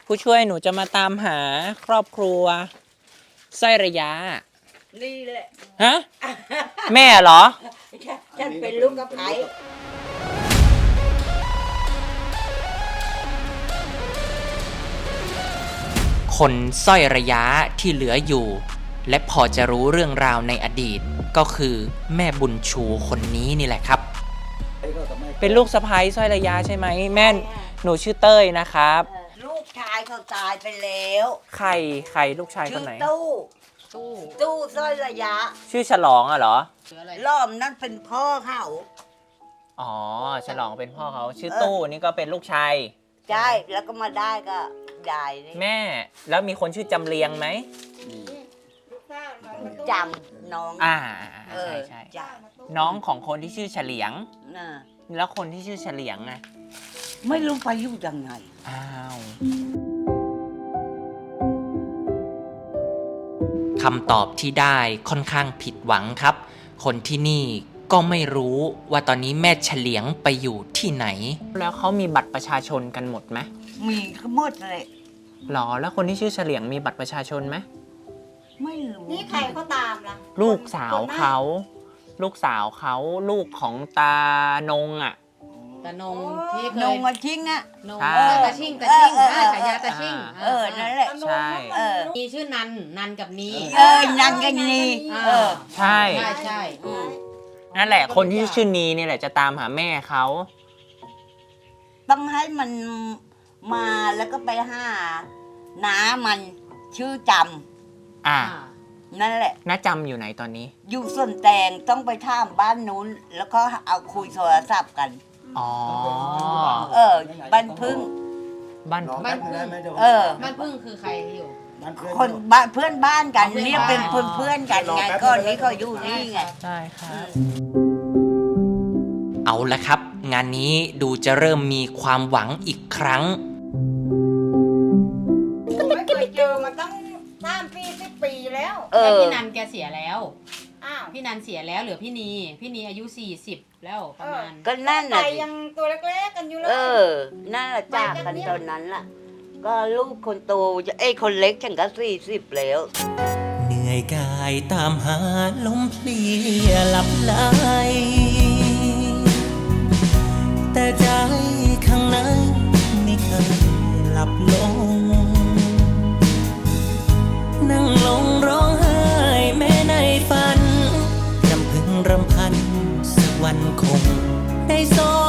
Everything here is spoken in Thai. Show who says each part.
Speaker 1: ผู้ช่วยหนูจะมาตามหาครอบครัวสร้อยระยะ
Speaker 2: นี่แหละ
Speaker 1: ฮะ แม่เหรอ
Speaker 2: ฉันเป็นลูกกระไพ
Speaker 1: คนสร้อยระยะที่เหลืออยู่และพอจะรู้เรื่องราวในอดีตก็คือแม่บุญชูคนนี้นี่แหละครับเป็นลูกสะใภ้สร้อยระยะใช่ไหมแม่หนูชื่อเต้ยนะครับ
Speaker 2: ลูกชายเขาตายไปแล้ว
Speaker 1: ใครลูกชายคนไหน
Speaker 2: ตู้สร้อยระยะ
Speaker 1: ชื่อฉลองอ่ะเหรอ
Speaker 2: ล้อมนั่นเป็นพ่อเขา
Speaker 1: อ๋อฉลองเป็นพ่อเขาชื่อตู้นี่ก็เป็นลูกชาย
Speaker 2: ใช่แล้วก็มาได้ก็ยาย
Speaker 1: แม่แล้วมีคนชื่อจำเรียงไหม
Speaker 2: จำน้อง
Speaker 1: ใช่น้องของคนที่ชื่อเฉลียงแล้วคนที่ชื่อเฉลียงไง
Speaker 2: ไม่รู้ไปอยู่ยังไง
Speaker 1: อ้าวคำตอบที่ได้ค่อนข้างผิดหวังครับคนที่นี่ก็ไม่รู้ว่าตอนนี้แม่เฉลียงไปอยู่ที่ไหนแล้วเขามีบัตรประชาชนกันหมดไหม
Speaker 2: มีทั้งหมดเลย
Speaker 1: หรอแล้วคนที่ชื่อเฉลียงมีบัตรประชาชนไหม
Speaker 2: ไม่รู้นี่ใครเขาตามล่ะ
Speaker 1: ลูกสาวเขาลูกของตานงอ่ะ
Speaker 3: ตานงที่เคย
Speaker 2: นงมาชิงอ่ะ
Speaker 3: ตาชิงฉายาตาชิง
Speaker 2: นั่นแหละ
Speaker 1: ใช่
Speaker 3: มีชื่อนันกับนี
Speaker 2: นันกับนี
Speaker 1: ใช่นั่นแหละคนที่ชื่อนีนี่แหละจะตามหาแม่เขา
Speaker 2: ต้องให้มันมาแล้วก็ไปหาน้ามันชื่อจำนั่นแหละ
Speaker 1: น้าจำอยู่ไหนตอนนี้
Speaker 2: อยู่ส่วนแตงต้องไปท่ามบ้านนู้นแล้วก็เอาคุยโทรศัพท์กันบ้านพึ่ง
Speaker 3: บ้านพึ่งคือใครอยู่
Speaker 2: คนบ้านเพื่อนบ้านกันเรียกเป็นเพื่อนกันไงก็นี้เขาอยู่นี่ไง
Speaker 1: ใช่ครับเอาละครับงานนี้ดูจะเริ่มมีความหวังอีกครั้ง
Speaker 2: ไม่เคยเจอมาตั้ง3 ปี10 ปีแล้ว
Speaker 3: พี่นันแกเสียแล้วพี่นันเสียแล้วเหลือพี่นีอายุ40แล้วประมาณ
Speaker 2: ก็นั่นน่ะ
Speaker 4: ยังตัวเล็กๆกันอยู่เลย
Speaker 2: นั่นแหละจากกันตอนนั้นล่ะก็ลูกคนโตคนเล็กฉันก็40แล้ว
Speaker 1: เหนื่อยกายตามหาลมเพลียหลับไหลแต่ใจข้างในไม่เคยหลับลงนั่งลงร้องไห้แม้ในฝันรำพึงรำพันสักวันคงได้ส